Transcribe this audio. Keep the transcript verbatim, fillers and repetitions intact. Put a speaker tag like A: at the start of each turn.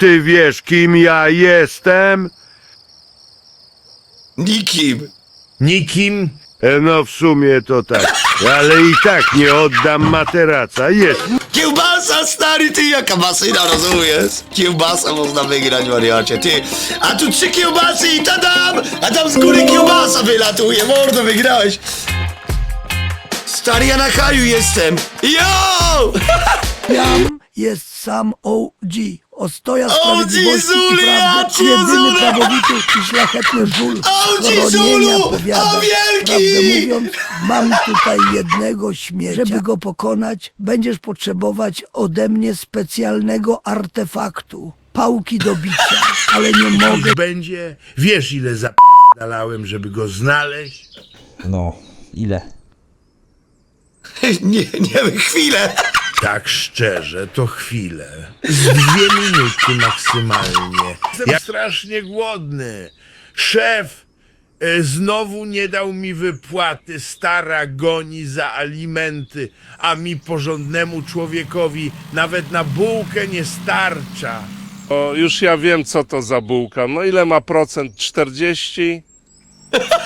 A: ty wiesz, kim ja jestem?
B: Nikim.
C: Nikim?
A: E, No w sumie to tak, ale i tak nie oddam materaca. Jest.
B: Kiełbasa, stary, ty, jaka masyna, rozumiesz? Kiełbasa można wygrać, wariacie, ty. A tu trzy kiełbasy i tadam! A tam z góry kiełbasa wylatuje, mordo, wygrałeś. Stary, ja na haju jestem. Yo!
D: Jam jest sam O G. Ostoja
B: O G
D: sprawiedliwości
B: Zulu,
D: i
B: ja
D: prawdy.
B: cię,
D: Jedyny
B: Zulu!
D: prawowity i szlachetny żul.
B: O G
D: Chronienia
B: Zulu!
D: powiada.
B: O wielki!
D: Prawdę mówiąc, mam tutaj jednego śmiecia. Żeby go pokonać, będziesz potrzebować ode mnie specjalnego artefaktu. Pałki do bicia, ale nie mogę.
C: Niech będzie. Wiesz, ile zapierdalałem, żeby go znaleźć?
E: No, ile?
B: Nie, nie wiem, chwilę.
C: Tak szczerze, to chwilę. Z dwie minuty maksymalnie. Jestem strasznie głodny. Szef e, znowu nie dał mi wypłaty. Stara goni za alimenty, a mi porządnemu człowiekowi nawet na bułkę nie starcza.
F: O, już ja wiem, co to za bułka. No ile ma procent? czterdzieści?